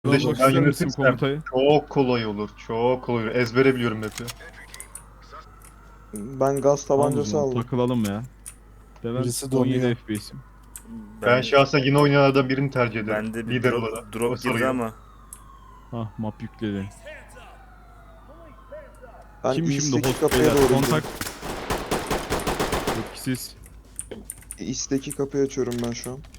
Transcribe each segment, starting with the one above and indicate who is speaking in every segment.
Speaker 1: Kardeşim
Speaker 2: Almak
Speaker 1: ben
Speaker 2: ister misin
Speaker 1: yönetirsem
Speaker 2: komutayı?
Speaker 1: çok kolay olur. Çok kolay olur. Ezbere biliyorum map'i.
Speaker 3: Ben gaz
Speaker 2: Tamam o
Speaker 3: tabancası
Speaker 2: zaman
Speaker 3: aldım.
Speaker 2: takılalım ya. De ben
Speaker 4: Birisi
Speaker 2: 17
Speaker 4: donuyor.
Speaker 2: FPS'im.
Speaker 1: Ben
Speaker 5: Ben
Speaker 1: şahsen yine oynayanlardan birini tercih ederim.
Speaker 5: bende bir
Speaker 1: Lider olarak. O
Speaker 5: drop girdi
Speaker 1: sarıyor.
Speaker 5: ama
Speaker 2: Ah map yükledi.
Speaker 3: Ben
Speaker 2: Kim şimdi
Speaker 3: East'teki
Speaker 2: host
Speaker 3: kapıya
Speaker 2: beyler?
Speaker 3: doğru
Speaker 2: Kontak.
Speaker 3: gidiyorum.
Speaker 2: Etkisiz.
Speaker 3: East'teki kapıyı açıyorum ben şu an.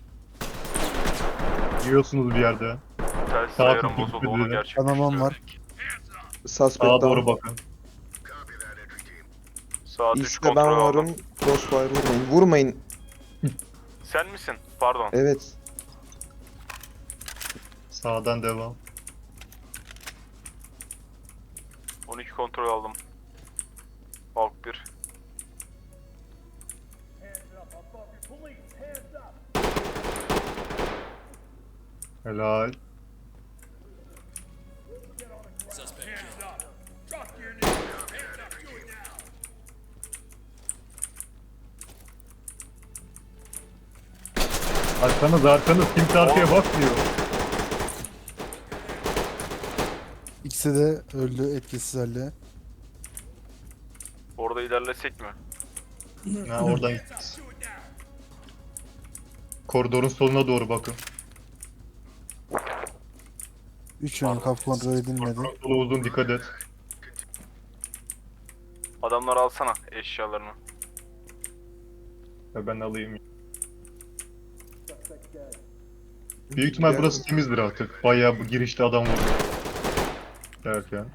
Speaker 1: Yiyorsunuz bir yerde.
Speaker 6: Telsiz
Speaker 1: Sağ
Speaker 6: ayarım
Speaker 1: tıklı
Speaker 6: bozuldu onu
Speaker 1: dedi.
Speaker 4: Kanamam var.
Speaker 3: Suspect
Speaker 1: Sağa doğru
Speaker 3: down.
Speaker 1: bakın.
Speaker 6: Saat 3
Speaker 3: East'te ben
Speaker 6: kontrol aldım.
Speaker 3: varım. Crossfire vurmayın. Vurmayın.
Speaker 6: Sen misin? Pardon.
Speaker 3: Evet.
Speaker 1: Sağdan devam.
Speaker 6: 12 kontrol aldım. Halk 1.
Speaker 1: Helal. Arkanız kimse arkaya bakmıyor.
Speaker 4: İkisi de öldü etkisiz halde.
Speaker 6: Orada ilerlesek mi?
Speaker 1: Ha oradan gideceğiz. Koridorun soluna doğru bakın.
Speaker 4: 3 yönü kapı kontrol edilmedi.
Speaker 1: Sola uzun dikkat et.
Speaker 6: Adamları alsana eşyalarını.
Speaker 1: Ya ben alayım. Büyük ihtimal burası temizdir artık. Bayağı bu girişte adam var. Derken.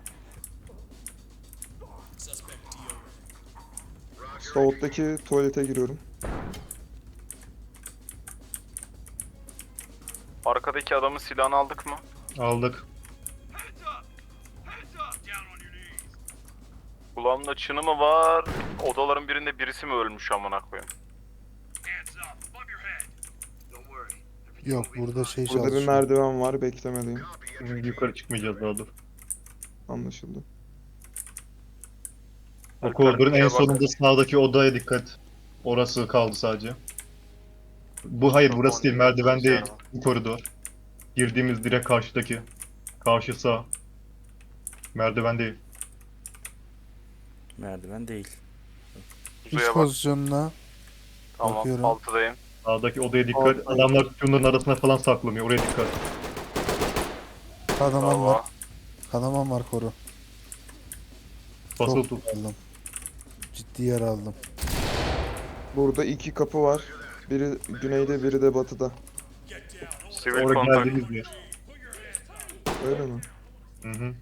Speaker 3: South'taki tuvalete giriyorum.
Speaker 6: Arkadaki adamın silahını aldık mı?
Speaker 1: Aldık.
Speaker 6: Kulağımda çını mı var? Odaların birinde birisi mi ölmüş amına koyayım?
Speaker 4: Yok burada şey
Speaker 3: Burada bir
Speaker 4: çalışıyor.
Speaker 3: merdiven var. Beklemedeyim.
Speaker 1: Şimdi yukarı çıkmayacağız daha dur.
Speaker 3: Anlaşıldı.
Speaker 1: O koridorun en
Speaker 6: Alper, bak.
Speaker 1: sonunda sağdaki odaya dikkat. Orası kaldı sadece. Bu hayır burası değil, merdiven değil. Bu koridor. Girdiğimiz direkt karşıdaki. Karşı sağ. Merdiven değil.
Speaker 5: merdiven değil.
Speaker 4: İç
Speaker 6: Kuzeye bak.
Speaker 4: pozisyonuna
Speaker 6: Tamam,
Speaker 4: bakıyorum.
Speaker 6: altıdayım.
Speaker 1: Sağdaki odaya dikkat.
Speaker 3: Alttayım.
Speaker 1: Adamlar şunların arasına falan saklanıyor. Oraya dikkat.
Speaker 4: kanamam var.
Speaker 6: Bravo.
Speaker 4: Kanamam var koru.
Speaker 1: Basılı
Speaker 4: Çok
Speaker 1: tut.
Speaker 4: aldım. Ciddi yer aldım.
Speaker 3: Burada iki kapı var. Biri güneyde, biri de batıda.
Speaker 6: Sivil
Speaker 1: Oraya
Speaker 6: kontak.
Speaker 1: geldiğimiz yer.
Speaker 3: Öyle mi?
Speaker 1: Hı hı.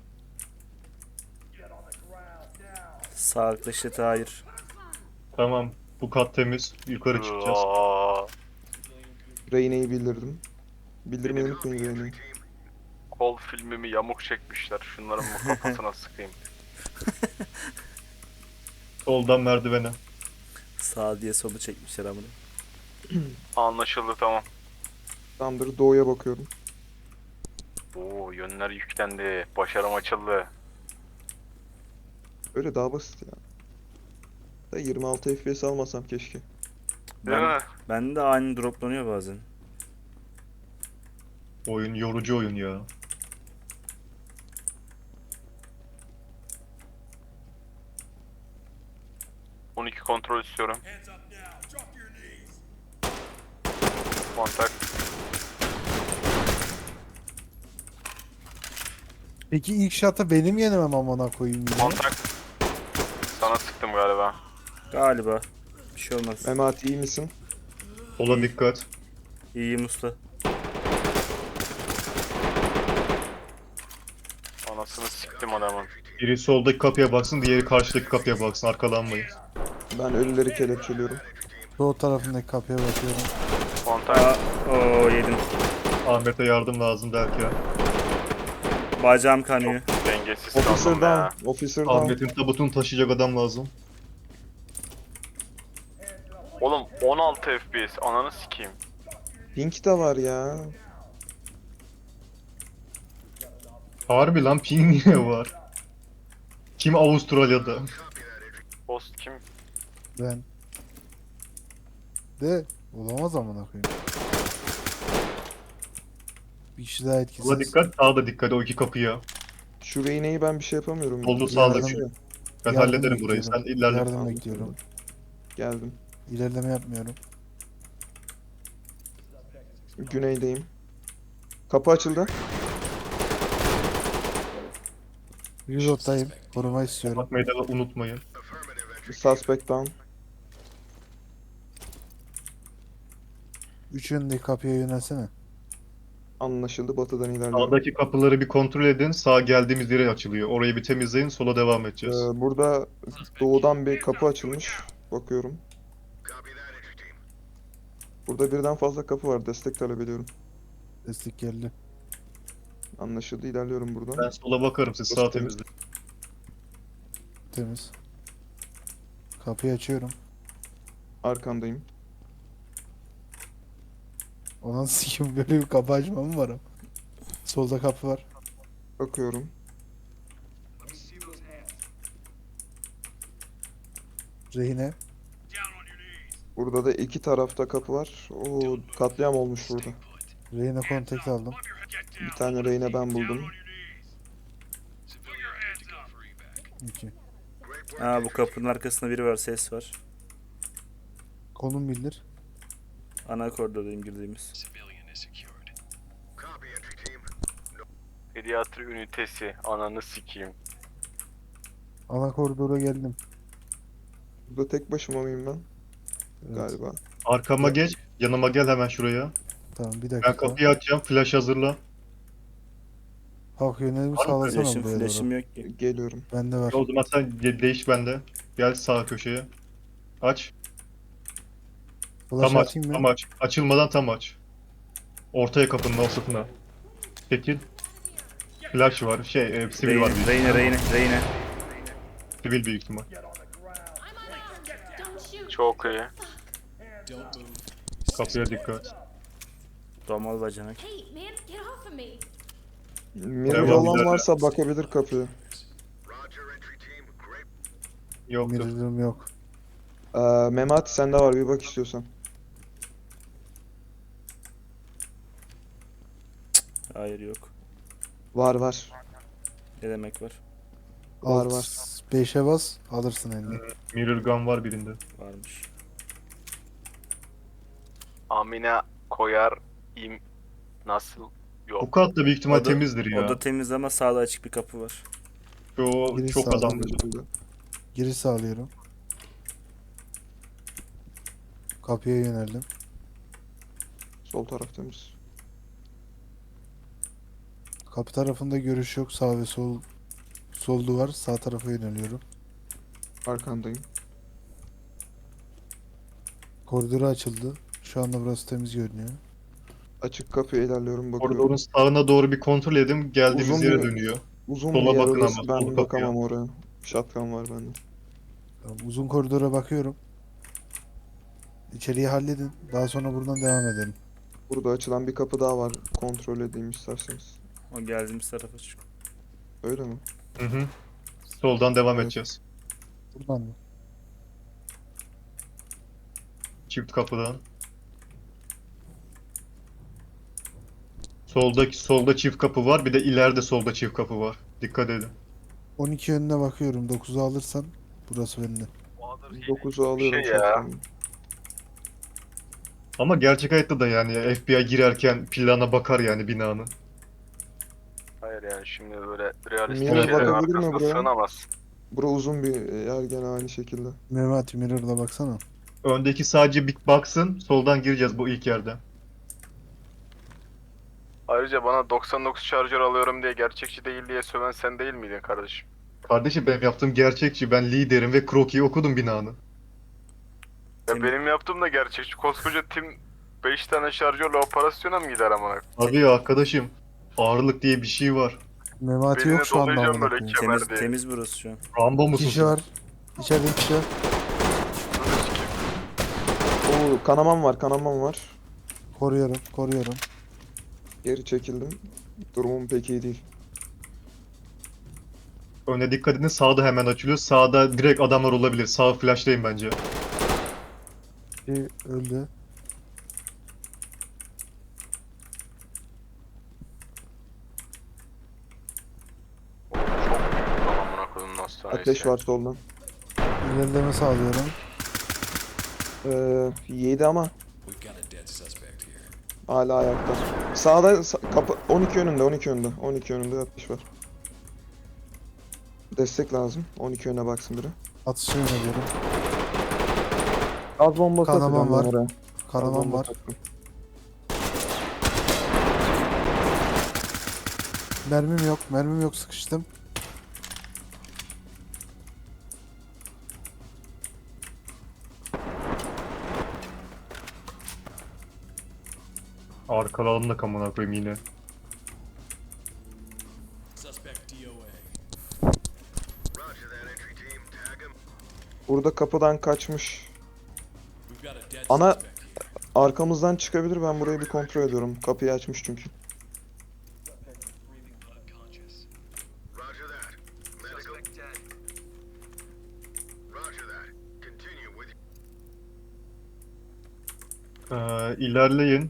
Speaker 5: Sağlıklı şiddet hayır.
Speaker 1: Tamam. Bu kat temiz. Yukarı çıkacağız.
Speaker 6: Aa,
Speaker 3: Reyne'yi bildirdim. Bildirmeyi unutmayın Reyne'yi.
Speaker 6: kol filmimi yamuk çekmişler. Şunların bu kafasına sıkayım.
Speaker 1: Soldan merdivene.
Speaker 5: Sağ diye solu çekmişler amına.
Speaker 6: Anlaşıldı tamam.
Speaker 3: Tamamdır. Doğuya bakıyorum.
Speaker 6: Oo yönler yüklendi. Başarım açıldı.
Speaker 3: Öyle daha basit ya. Da 26 FPS almasam keşke.
Speaker 6: Değil mi?
Speaker 5: Ben de aynı droplanıyor bazen.
Speaker 1: Oyun yorucu oyun ya.
Speaker 6: ...12 kontrol istiyorum. Kontak.
Speaker 4: Peki ilk şatı benim yenemem amına koyayım yine.
Speaker 6: Kontak. Sana sıktım galiba.
Speaker 5: Galiba. Bir şey olmaz.
Speaker 3: Memati iyi misin?
Speaker 1: Sola dikkat.
Speaker 5: İyiyim usta.
Speaker 6: Anasını siktim adamın.
Speaker 1: Biri soldaki kapıya baksın, diğeri karşıdaki kapıya baksın. Arkalanmayın.
Speaker 3: Ben ölüleri kelepçeliyorum.
Speaker 4: Doğu tarafındaki kapıya bakıyorum.
Speaker 6: Kontak.
Speaker 5: Aa, oo yedim.
Speaker 1: Ahmet'e yardım lazım derken.
Speaker 5: Bacağım kanıyor.
Speaker 6: Dengesiz
Speaker 3: Officer
Speaker 6: kaldım ya.
Speaker 3: down. Officer down.
Speaker 1: Ahmet'in tabutunu taşıyacak adam lazım.
Speaker 6: Oğlum 16 FPS. Ananı sikeyim.
Speaker 3: Pink de var ya.
Speaker 1: Harbi lan ping niye var? Kim Avustralya'da?
Speaker 6: Host kim?
Speaker 4: Ben. De olamaz amına koyayım. Bir kişi daha
Speaker 1: Sola
Speaker 4: etkisiz.
Speaker 1: dikkat, sağa da dikkat o iki kapıya.
Speaker 3: Şu Reyne'yi ben bir şey yapamıyorum.
Speaker 1: Sollu
Speaker 3: Yardım
Speaker 1: sağdaki.
Speaker 3: etsene.
Speaker 1: Ben
Speaker 4: Yardım
Speaker 1: hallederim burayı. Sen
Speaker 4: bekliyorum.
Speaker 1: ilerle.
Speaker 4: Yardım
Speaker 3: Anladım.
Speaker 4: bekliyorum.
Speaker 3: Geldim.
Speaker 4: İlerleme yapmıyorum.
Speaker 3: Güneydeyim. Kapı açıldı.
Speaker 4: Reload'dayım. Koruma istiyorum.
Speaker 1: Bakmayı da unutmayın.
Speaker 3: Suspect down.
Speaker 4: Üç yönündeki kapıya yönelsene.
Speaker 3: Anlaşıldı. Batıdan ilerliyorum.
Speaker 1: Sağdaki kapıları bir kontrol edin. Sağ geldiğimiz yere açılıyor. Orayı bir temizleyin. Sola devam edeceğiz.
Speaker 3: Burada doğudan bir kapı açılmış. Bakıyorum. Burada birden fazla kapı var. Destek talep ediyorum.
Speaker 4: Destek geldi.
Speaker 3: Anlaşıldı. İlerliyorum buradan.
Speaker 1: Ben sola bakarım. Siz sağ temizleyin.
Speaker 4: Temiz. Kapıyı açıyorum.
Speaker 3: Arkandayım.
Speaker 4: Ona sikim böyle bir kapı açma mı var? Solda kapı var.
Speaker 3: Bakıyorum.
Speaker 4: Rehine.
Speaker 3: Burada da iki tarafta kapı var. Oo, katliam olmuş burada.
Speaker 4: Rehine kontak aldım.
Speaker 3: Bir tane reyne ben buldum.
Speaker 4: 2.
Speaker 5: Aa, bu kapının arkasında biri var, ses var.
Speaker 4: Konum bildir.
Speaker 5: Ana koridordayım girdiğimiz.
Speaker 6: Pediatri ünitesi. Ananı sikeyim.
Speaker 4: Ana koridora geldim.
Speaker 3: Burada tek başıma mıyım ben?
Speaker 4: Evet.
Speaker 3: Galiba.
Speaker 1: Arkama geç. Yanıma gel hemen şuraya.
Speaker 4: Tamam bir
Speaker 1: Ben
Speaker 4: dakika.
Speaker 1: kapıyı açacağım. Flash hazırla.
Speaker 4: Hak yönelimi
Speaker 1: Var mı
Speaker 4: sağlasana
Speaker 5: Flash'ım,
Speaker 4: buraya
Speaker 5: flash'ım
Speaker 4: doğru.
Speaker 5: yok ki.
Speaker 3: Geliyorum.
Speaker 4: Bende var.
Speaker 1: O zaman sen değiş bende. Gel sağ köşeye. Aç.
Speaker 4: Flash
Speaker 1: Tam aç.
Speaker 4: atayım
Speaker 1: Tam
Speaker 4: mı?
Speaker 1: aç. Açılmadan tam aç. Ortaya kapının ortasına. Çekil. Flash var. Sivil var.
Speaker 5: Reyne.
Speaker 1: Sivil büyük ihtimal.
Speaker 6: Çok iyi.
Speaker 1: Kapıya dikkat.
Speaker 5: Domal bacanak.
Speaker 7: Hey, man, get off of me.
Speaker 3: Mirror
Speaker 1: Devam,
Speaker 3: olan
Speaker 1: ilerle.
Speaker 3: varsa bakabilir kapıya.
Speaker 1: Yoktur.
Speaker 4: Mirror'ım yok.
Speaker 3: Memati sende var bir bak istiyorsan.
Speaker 5: Hayır, yok.
Speaker 3: Var.
Speaker 5: Ne demek var?
Speaker 3: Var,
Speaker 4: Alt
Speaker 3: var.
Speaker 4: 5'e bas alırsın elini.
Speaker 1: Mirror gun var birinde.
Speaker 5: Varmış.
Speaker 6: Amine koyar nasıl?
Speaker 1: Bu
Speaker 6: Yok.
Speaker 1: kat da büyük ihtimal
Speaker 5: O da-
Speaker 1: temizdir ya.
Speaker 5: O da temiz ama sağda açık bir kapı var.
Speaker 1: Şu
Speaker 4: Giriş
Speaker 1: çok
Speaker 4: sağlam.
Speaker 1: adamdır.
Speaker 3: Anlaşıldı.
Speaker 4: Giriş sağlıyorum. Kapıya yöneldim.
Speaker 3: Sol taraf temiz.
Speaker 4: Kapı tarafında görüş yok. Sağ ve sol duvar. Sağ tarafa yöneliyorum.
Speaker 3: Arkandayım.
Speaker 4: Koridoru açıldı. Şu anda burası temiz görünüyor.
Speaker 3: Açık kapıya ilerliyorum bakıyorum.
Speaker 1: Koridorun sağına doğru bir kontrol edin. Geldiğimiz
Speaker 3: Uzun
Speaker 1: yere
Speaker 3: bir-
Speaker 1: dönüyor.
Speaker 3: Uzun
Speaker 1: sola
Speaker 3: bir yer
Speaker 1: bakın
Speaker 3: orası.
Speaker 1: ama, sol
Speaker 3: Ben
Speaker 1: kapıya.
Speaker 3: bakamam oraya. Shotgun var bende.
Speaker 4: Tamam, uzun koridora bakıyorum. İçeriği halledin. Daha sonra buradan devam edelim.
Speaker 3: Burada açılan bir kapı daha var. Kontrol edeyim isterseniz.
Speaker 5: O geldiğimiz tarafa çık.
Speaker 3: Öyle mi?
Speaker 1: Hı. Soldan devam
Speaker 3: Evet.
Speaker 1: edeceğiz.
Speaker 4: Buradan mı?
Speaker 1: Çift kapıdan. Solda çift kapı var. Bir de ileride solda çift kapı var. Dikkat edin.
Speaker 4: 12 yönüne bakıyorum. 9'u alırsan burası bende.
Speaker 3: 9'u alıyorum
Speaker 6: Şey ya.
Speaker 3: shotgun'ı.
Speaker 1: Ama gerçek hayatta da yani FBI girerken plana bakar yani binanın.
Speaker 6: Hayır yani şimdi böyle realistik
Speaker 3: Mirror
Speaker 6: şeylerin
Speaker 3: bakabilir mi
Speaker 6: arkasına
Speaker 3: buraya?
Speaker 6: sığınamaz.
Speaker 3: Bura uzun bir yer gene aynı şekilde.
Speaker 4: Memati Mirror'la baksana.
Speaker 1: Öndeki sadece bir baksın. Soldan gireceğiz bu ilk yerden.
Speaker 6: Ayrıca bana 99 şarjör alıyorum diye gerçekçi değil diye söven sen değil miydin kardeşim?
Speaker 1: Kardeşim benim yaptığım gerçekçi. Ben liderim ve Kroki'yi okudum binanın.
Speaker 6: Ya
Speaker 5: Tim-
Speaker 6: benim yaptığım da gerçekçi. Koskoca tim 5 tane şarjörle operasyona mı gider amına?
Speaker 1: Abi ya arkadaşım. Ağırlık diye bir şey var.
Speaker 4: Memati
Speaker 6: Beline
Speaker 4: yok şu anda
Speaker 6: dolayacağım
Speaker 4: amına
Speaker 6: böyle
Speaker 4: koyayım.
Speaker 6: kemer
Speaker 5: Temiz,
Speaker 6: diye.
Speaker 5: temiz burası şu an.
Speaker 1: Rambo
Speaker 4: Bir
Speaker 1: musun
Speaker 4: kişi
Speaker 1: sen?
Speaker 4: var. İçeride bir kişi var.
Speaker 3: Oo, kanamam var.
Speaker 4: Koruyorum.
Speaker 3: Geri çekildim. Durumum pek iyi değil.
Speaker 1: Öne dikkat edin. Sağda hemen açılıyor. Sağda direkt adamlar olabilir. Sağ flash'tayım bence.
Speaker 4: Bir öldü.
Speaker 6: sonra
Speaker 3: Ateş
Speaker 6: ise.
Speaker 3: var soldan.
Speaker 4: İlerleme sağlıyorum.
Speaker 3: Yedi ama. Hala ayakta. Sağda kapı 12 önünde 12 önünde. 12 önünde ateş var. Destek lazım. 12 öne baksın biri.
Speaker 4: Atışa yöneliyorum.
Speaker 3: Az bombası
Speaker 4: Kanamam
Speaker 3: atacağım ben
Speaker 4: var.
Speaker 3: oraya. Az
Speaker 4: Kanamam
Speaker 3: bombası
Speaker 4: var.
Speaker 3: atacağım.
Speaker 4: Mermim yok. Mermim yok, sıkıştım.
Speaker 1: Arkalarını da kamına koyayım yine.
Speaker 3: Burada kapıdan kaçmış. Ana arkamızdan çıkabilir. Ben burayı bir kontrol ediyorum. Kapıyı açmış çünkü.
Speaker 1: İlerleyin.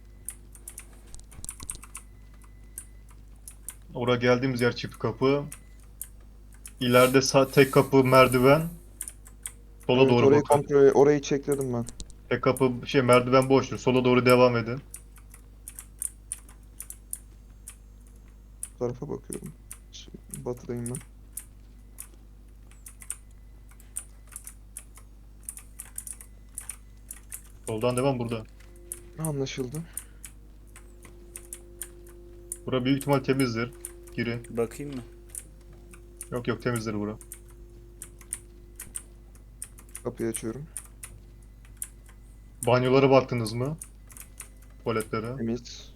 Speaker 1: Oraya geldiğimiz yer çift kapı. İleride tek kapı merdiven. Sola
Speaker 3: Evet,
Speaker 1: doğru
Speaker 3: orayı
Speaker 1: bakın.
Speaker 3: kontrol orayı çekledim ben.
Speaker 1: Tek kapı merdiven boştur. Sola doğru devam edin.
Speaker 3: Bu tarafa bakıyorum. Batıdayım ben.
Speaker 1: Soldan devam burada.
Speaker 3: Anlaşıldı.
Speaker 1: Bura büyük ihtimal temizdir. Girin.
Speaker 5: Bakayım mı?
Speaker 1: Yok yok temizdir bura.
Speaker 3: Kapıyı açıyorum.
Speaker 1: Banyolara baktınız mı? Tuvaletlere.
Speaker 3: Temiz.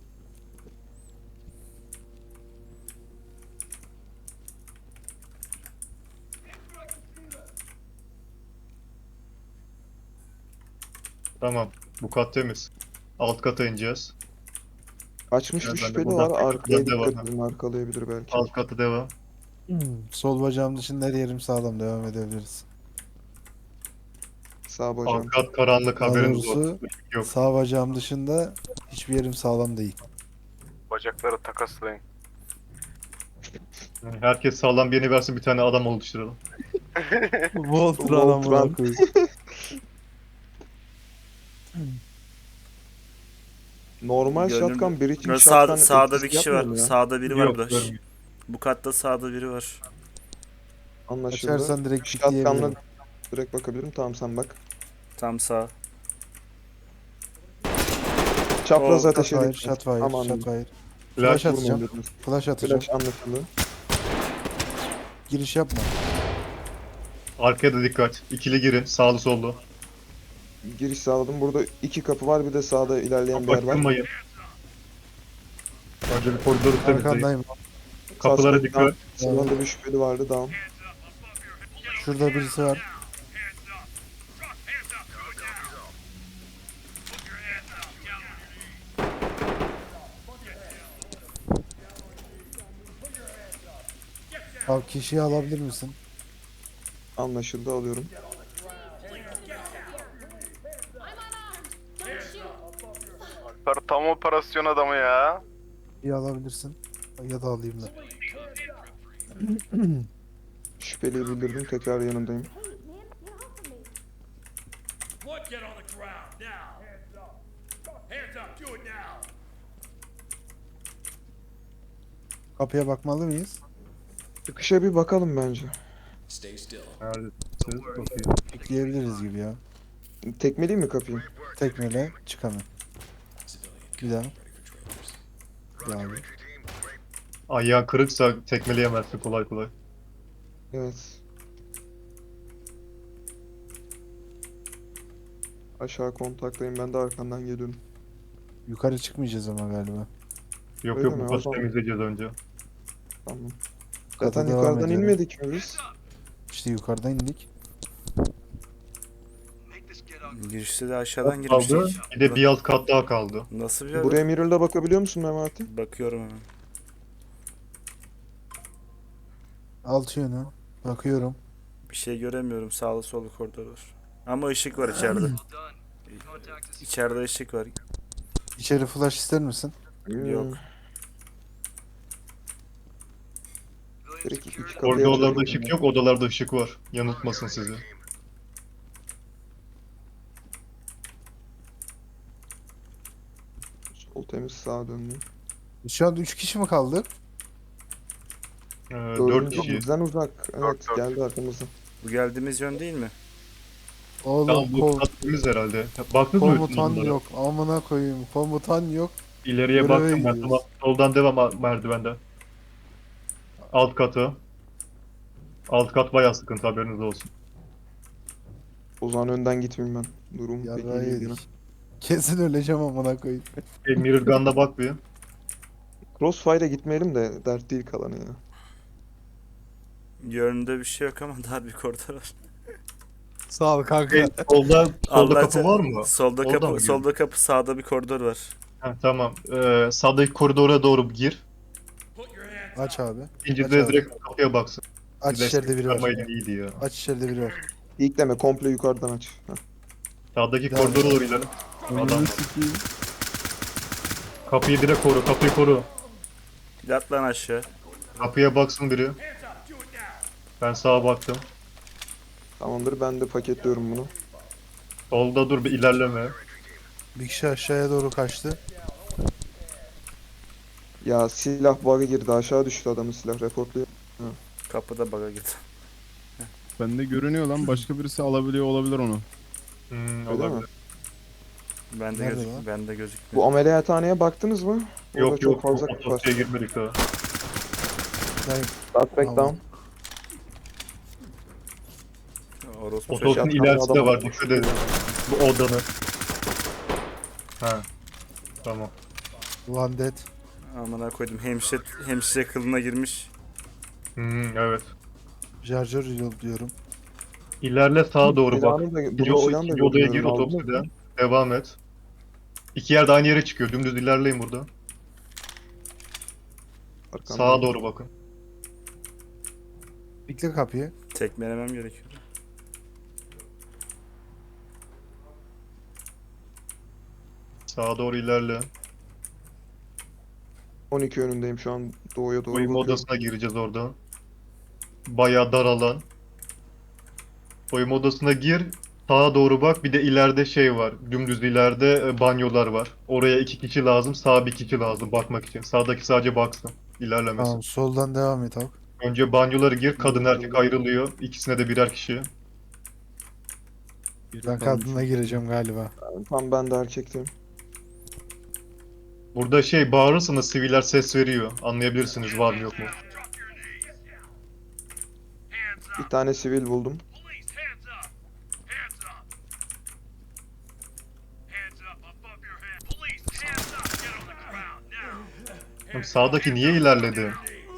Speaker 1: Tamam. Bu kat temiz. Alt kata ineceğiz.
Speaker 3: Açmış
Speaker 1: Evet,
Speaker 3: bir
Speaker 1: ben de
Speaker 3: şüpheli
Speaker 1: buradan
Speaker 3: var. Arkaya
Speaker 1: devam.
Speaker 3: dikkat edin. Arkalayabilir belki.
Speaker 1: Alt katı devam.
Speaker 4: Sol bacağım dışında her yerim sağlam, devam edebiliriz.
Speaker 3: Sağ bacağım.
Speaker 1: Alt kat karanlık,
Speaker 4: Daha
Speaker 1: haberiniz
Speaker 4: doğrusu
Speaker 1: olsun. Yok.
Speaker 4: sağ bacağım dışında hiçbir yerim sağlam değil.
Speaker 6: Bacakları takaslayın.
Speaker 1: Herkes sağlam birini versin, bir tane adam oluşturalım.
Speaker 4: Voltran
Speaker 3: Voltran.
Speaker 4: amına koyayım.
Speaker 3: Normal
Speaker 5: Gönlüm-
Speaker 3: shotgun bir için
Speaker 5: Ya
Speaker 3: shotgun
Speaker 5: sağda bir
Speaker 3: etkisi
Speaker 5: kişi var.
Speaker 3: yapmıyor mu ya?
Speaker 5: Sağda biri var
Speaker 1: Yok,
Speaker 5: burada.
Speaker 1: görmüyorum.
Speaker 5: Bu katta sağda biri var.
Speaker 3: Anlaşıldı.
Speaker 4: Açarsan direkt
Speaker 3: Shotgun'la
Speaker 4: pikleyebilirim.
Speaker 3: direkt bakabilirim. Tamam sen bak.
Speaker 5: Tam sağ.
Speaker 3: Çapraz
Speaker 5: Oh,
Speaker 3: ateş
Speaker 4: Shotfire,
Speaker 3: edin.
Speaker 4: shotfire,
Speaker 3: Aman.
Speaker 4: shotfire.
Speaker 1: Flash
Speaker 4: Flash atacağım.
Speaker 3: Vurmayın dediniz.
Speaker 4: Flash atacağım.
Speaker 3: Flash anlaşıldı.
Speaker 4: Giriş yapma.
Speaker 1: Arkaya da dikkat. İkili girin. Sağlı sollu.
Speaker 3: Giriş sağladım. Burada iki kapı var. Bir de sağda ilerleyen bir yer var.
Speaker 1: Bakılmayın. Önce bir koridoru temizleyin.
Speaker 4: Arkandayım.
Speaker 1: Kapılara
Speaker 3: Suspect
Speaker 1: dikkat.
Speaker 3: down. Sağda bir şüpheli vardı. Down.
Speaker 4: Şurada birisi var. Abi kişiyi alabilir misin?
Speaker 3: Anlaşıldı. Alıyorum.
Speaker 6: Alper tam operasyon adamı ya.
Speaker 4: İyi alabilirsin. Ya da alayım da.
Speaker 3: Şüpheliyi bildirdim. Tekrar yanındayım.
Speaker 7: What, get on the ground now! Hands up! Hands up! Do it now!
Speaker 4: Kapıya bakmalı mıyız?
Speaker 3: Çıkışa bir bakalım bence.
Speaker 1: Neredesiniz? Bakayım.
Speaker 4: Pikleyebiliriz gibi ya.
Speaker 3: Tekmeleyeyim mi kapıyı?
Speaker 4: Tekmeyle çıkamam. Bir daha. Bir daha.
Speaker 1: Ayağın kırıksa tekmeleyemezsin kolay kolay.
Speaker 3: Evet. Aşağı kontaktayım. Ben de arkandan geliyorum.
Speaker 4: Yukarı çıkmayacağız ama galiba.
Speaker 1: Yok
Speaker 3: Öyle
Speaker 1: yok,
Speaker 3: mi?
Speaker 1: bu
Speaker 3: O
Speaker 1: kası
Speaker 3: zaman-
Speaker 1: temizleyeceğiz önce.
Speaker 3: Tamam.
Speaker 4: Kata
Speaker 3: Zaten
Speaker 4: devam
Speaker 3: yukarıdan
Speaker 4: ediyorum.
Speaker 3: inmedik mi biz?
Speaker 4: İşte yukarıdan indik.
Speaker 5: Girişte de aşağıdan
Speaker 1: Kaldı.
Speaker 5: girmiştik.
Speaker 1: Bir de bir alt kat daha kaldı.
Speaker 5: Nasıl bir yer?
Speaker 3: Buraya mirror'la bakabiliyor musun Memati?
Speaker 5: Bakıyorum hemen.
Speaker 4: Alt yönü. Bakıyorum.
Speaker 5: Bir şey göremiyorum. Sağlı sollu koridor var. Ama ışık var içeride. İçeride ışık var.
Speaker 4: İçeri flash ister misin?
Speaker 5: Yok.
Speaker 3: Direkt iki kapıya
Speaker 1: Koridorlarda
Speaker 3: açarak
Speaker 1: ışık
Speaker 3: yani.
Speaker 1: yok, odalarda ışık var. Yanıltmasın sizi.
Speaker 3: Sol temiz, sağa döndüm.
Speaker 4: Şu an 3 kişi mi kaldık?
Speaker 1: 4
Speaker 3: Dördüncü
Speaker 1: kişiyiz.
Speaker 3: bizden uzak. Evet,
Speaker 6: Dört.
Speaker 3: geldi arkamıza.
Speaker 5: Bu geldiğimiz yön değil mi?
Speaker 4: Oğlum
Speaker 1: Tamam bu kattığımız herhalde. Baktınız mı bütün
Speaker 4: komutan
Speaker 1: onlara?
Speaker 4: yok. Amına koyayım. Komutan yok.
Speaker 1: İleriye
Speaker 4: Göreve
Speaker 1: baktım ben.
Speaker 4: gidiyoruz.
Speaker 1: Tamam. Soldan devam merdivenden. Alt katı. Alt kat bayağı sıkıntı, haberiniz olsun.
Speaker 3: O zaman önden gitmeyeyim ben. Durum pek iyi
Speaker 4: Yarrağı
Speaker 3: değil yine.
Speaker 4: yedik. Kesin öleceğim amına koyayım.
Speaker 1: Mirror Gun'da bak bir.
Speaker 3: Crossfire'a gitmeyelim de dert değil kalanı ya.
Speaker 5: Yönünde bir şey yok ama daha bir koridor var.
Speaker 4: Sağ ol kanka.
Speaker 1: Solda
Speaker 5: Allah
Speaker 1: kapı var mı?
Speaker 5: Solda
Speaker 1: Oradan
Speaker 5: kapı,
Speaker 1: mı
Speaker 5: solda kapı, sağda bir koridor var.
Speaker 1: Ha, tamam. Sağdaki koridora doğru gir.
Speaker 7: Put your hands
Speaker 4: Aç abi.
Speaker 1: İkinci
Speaker 4: Aç
Speaker 1: de
Speaker 4: abi.
Speaker 1: direkt kapıya baksın.
Speaker 4: Aç içeride biri var.
Speaker 1: Çıkarmayla iyiydi ya.
Speaker 4: Aç içeride biri var.
Speaker 3: İlk deme, komple yukarıdan aç. Heh.
Speaker 1: Sağdaki
Speaker 4: Devam
Speaker 1: koridora
Speaker 4: et.
Speaker 1: doğru ilerle. Adam
Speaker 2: Önünü
Speaker 1: var.
Speaker 2: sikeyim.
Speaker 1: Kapıyı direkt koru, kapıyı koru.
Speaker 5: Yat lan aşağı.
Speaker 1: Kapıya baksın biri.
Speaker 7: hands up. Do it now.
Speaker 1: Ben sağa baktım.
Speaker 3: Tamamdır, ben de paketliyorum bunu.
Speaker 1: Solda dur, bir ilerleme.
Speaker 4: Bir kişi aşağıya doğru kaçtı.
Speaker 3: Ya silah bug'a girdi, aşağı düştü adamın silah, reportluyor.
Speaker 5: Kapıda baga git.
Speaker 2: Bende görünüyor lan. Başka birisi alabiliyor olabilir onu.
Speaker 3: Öyle
Speaker 1: Olabilir.
Speaker 3: mi?
Speaker 5: Bende
Speaker 4: Nerede
Speaker 5: gözük,
Speaker 4: lan?
Speaker 5: bende gözükmüyor.
Speaker 3: Bu ameliyathaneye baktınız mı? Orada
Speaker 1: Yok
Speaker 3: çok
Speaker 1: yok,
Speaker 3: fazla kapı var.
Speaker 1: otobüse girmedik daha.
Speaker 4: Ben
Speaker 3: Start back
Speaker 4: Tamam.
Speaker 3: down.
Speaker 5: Orospu
Speaker 1: Otobüsün
Speaker 3: Yatağında
Speaker 1: ilerisi de
Speaker 3: adam
Speaker 1: var,
Speaker 3: var.
Speaker 1: dikkat edin. Bu odanın. Ha. Tamam.
Speaker 4: Landet.
Speaker 5: Amına koydum. Hemşire kılına girmiş.
Speaker 1: Evet.
Speaker 4: Jarjör reload diyorum.
Speaker 1: İlerle sağa doğru bak.
Speaker 3: Silahını da,
Speaker 1: İkinci,
Speaker 3: bunun silahını da
Speaker 1: ikinci odaya gir
Speaker 3: görmüyorum, aldınız mı?
Speaker 1: otobüsüden. Devam et. İki yerde aynı yere çıkıyor. Dümdüz ilerleyin burada.
Speaker 3: Arkamda.
Speaker 1: Sağa doğru bakın.
Speaker 4: Bekle kapıyı.
Speaker 5: Tekmelemem gerekiyor.
Speaker 1: Sağa doğru ilerle.
Speaker 3: 12 yönündeyim şu an, doğuya doğru
Speaker 1: Soyunma
Speaker 3: bakıyorum.
Speaker 1: odasına gireceğiz orada. Bayağı dar alan. Soyunma odasına gir. Sağa doğru bak. Bir de ileride şey var. Dümdüz ileride banyolar var. Oraya 2 kişi lazım. Sağa 1 kişi lazım bakmak için. Sağdaki sadece baksın. İlerlemesin.
Speaker 4: Tamam soldan devam et abi.
Speaker 1: Önce banyoları gir. Kadın erkek ayrılıyor. İkisine de birer kişi.
Speaker 4: Ben kadınla gireceğim galiba.
Speaker 3: Tam ben de erkekteyim.
Speaker 1: Burada şey bağırırsanız siviller ses veriyor. Anlayabilirsiniz var mı yok mu?
Speaker 3: Bir tane sivil buldum.
Speaker 7: Police, hands up. Hands up. Hands up above your head. Police, hands up. Get on the ground now.
Speaker 1: Oğlum sağdaki niye ilerledi?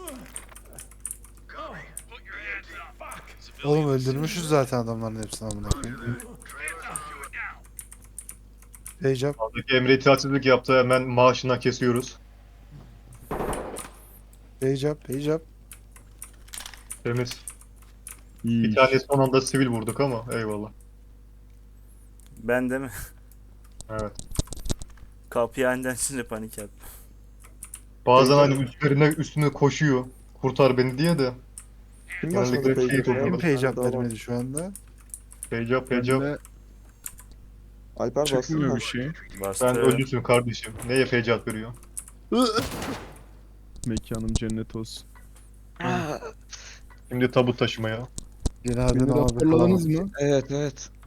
Speaker 7: Put your hands up.
Speaker 4: Oğlum öldürmüşüz zaten adamların hepsini amına koyayım.
Speaker 7: Hands up. Do it now.
Speaker 4: Heycap.
Speaker 1: Sağdaki Emre itaatsizlik yaptı. Hemen maaşından kesiyoruz.
Speaker 4: Heycap.
Speaker 1: Temiz.
Speaker 2: İyi.
Speaker 1: Bir tane son anda sivil vurduk ama eyvallah.
Speaker 5: Ben de mi?
Speaker 1: Evet.
Speaker 5: Kapıyı aniden şimdi panik yaptım.
Speaker 1: Bazen hani üstüne koşuyor. Kurtar beni diye de.
Speaker 3: Kim
Speaker 1: Genellikle
Speaker 3: başladı
Speaker 1: şey
Speaker 3: peki?
Speaker 1: yapıyorlar.
Speaker 4: Kim heycap
Speaker 3: Daha var.
Speaker 4: vermedi şu anda?
Speaker 1: Pecap.
Speaker 2: Bende
Speaker 3: Alper bassın
Speaker 2: çıkmıyor
Speaker 3: mı?
Speaker 2: bir şey.
Speaker 5: Bastı.
Speaker 1: Sen ölüsün kardeşim. Neye fecat veriyor?
Speaker 2: Mekanım cennet olsun.
Speaker 1: Şimdi tabut taşımaya.
Speaker 4: Cenazeni
Speaker 2: Beni
Speaker 4: abi
Speaker 2: raporladınız
Speaker 4: kalamaz.
Speaker 2: mı?
Speaker 3: Evet.